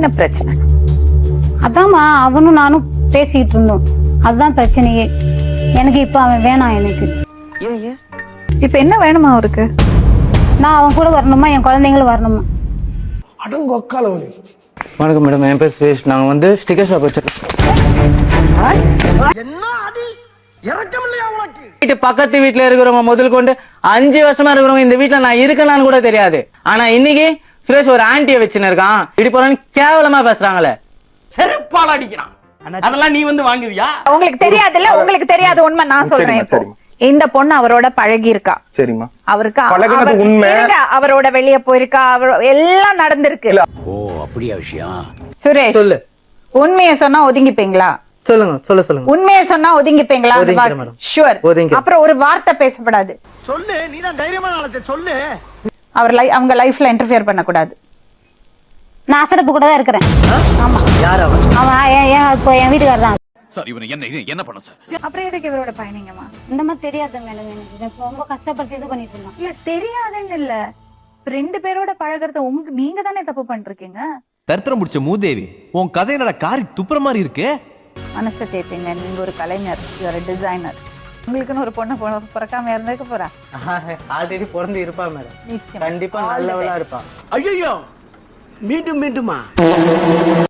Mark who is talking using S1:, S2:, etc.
S1: என்ன பிரச்சனை?
S2: அதாம்மா அவனும் நானும் பேசிக்கிட்டு இருந்தோம். அதுதான் பிரச்சனையே. எனக்கு இப்ப அவன் வேணாம். எனக்கு
S1: இப்ப என்ன வேணுமா அவருக்கு?
S2: நான் அவன் கூட வரணுமா, என் குழந்தைங்களும் வரணுமா.
S3: அடங்கொக்காலவனே.
S4: வணக்கம் மேடம், என் பேர் சுரேஷ். நாங்கள் வந்து ஸ்டிக்கர் ஷாப் வச்சிருக்கோம். வீட்டு பக்கத்து வீட்டுல இருக்கிறவங்க முதல் கொண்டு 5 வருஷமா இருக்கிறவங்க இந்த வீட்டுல நான் இருக்கலான்னு கூட தெரியாது. ஆனா இன்னைக்கு சுரேஷ் ஒரு ஆண்டியை வச்சுன்னு இருக்கான். இப்படி போறான்னு கேவலமா பேசுறாங்களே.
S5: செருப்பால அடிக்கிறான். அதெல்லாம் நீ வந்து வாங்குவியா?
S1: உங்களுக்கு தெரியாதுல்ல, உங்களுக்கு தெரியாத உண்மை நான் சொல்றேன். இப்போ இந்த பொண்ணு அவரோட பழகி இருக்கா.
S6: சரிம்மா.
S1: அவருக்கு
S6: உண்மை.
S1: அவரோட வெளிய போயிருக்கா, எல்லாம் நடந்திருக்கு.
S5: ஓ அப்படியா விஷயம்?
S1: சுரேஷ்
S4: சொல்லு.
S1: உண்மையை சொன்னா ஒதுங்கிப்பீங்களா?
S4: சொல்லுங்க.
S1: உண்மையை சொன்னா ஒதுங்கிப்பீங்களா? ஷூர். அப்புறம் ஒரு வார்த்தை பேசப்படாது.
S3: சொல்லு, நீதான் தைரியமான ஆளத்தை சொல்லு.
S1: அவங்க லைஃப்ல இன்டர்ஃபியர் பண்ண கூடாது.
S2: நான் அசரப்பு கூட தான் இருக்கிறேன். ஆமா.
S4: யார் அவன்?
S2: அவன் இப்போ என் வீட்டுக்காரர் தான்.
S7: சார் இவனை என்ன பண்ண சார்?
S1: அப்புறம் எதுக்கு இவரோட பயணிங்கம்மா?
S2: இந்த மாதிரி தெரியாதுங்க எனக்கு. எனக்கு ரொம்ப கஷ்டப்பட்டு இது பண்ணிட்டு இருந்தான்.
S1: இல்ல தெரியாதுன்னு இல்ல, 2 பேரோட பழகிறத நீங்க தானே தப்பு பண்ணிருக்கீங்க.
S7: தரித்திரம் முடிச்ச மூதேவி, உன் கதை என்னடா காரி துப்புற மாதிரி இருக்கு.
S1: மனசை தேத்தீங்க. நீங்க ஒரு கலைஞர், ஒரு டிசைனர். உங்களுக்குன்னு ஒரு பொண்ணு பிறக்காம இருந்திருக்க போறா?
S4: ஆல்ரெடி பிறந்து இருப்பா மேடம்.
S1: நிச்சயமா.
S4: கண்டிப்பா நல்லவளா இருப்பா.
S5: ஐயோ மீண்டும் மீண்டுமா?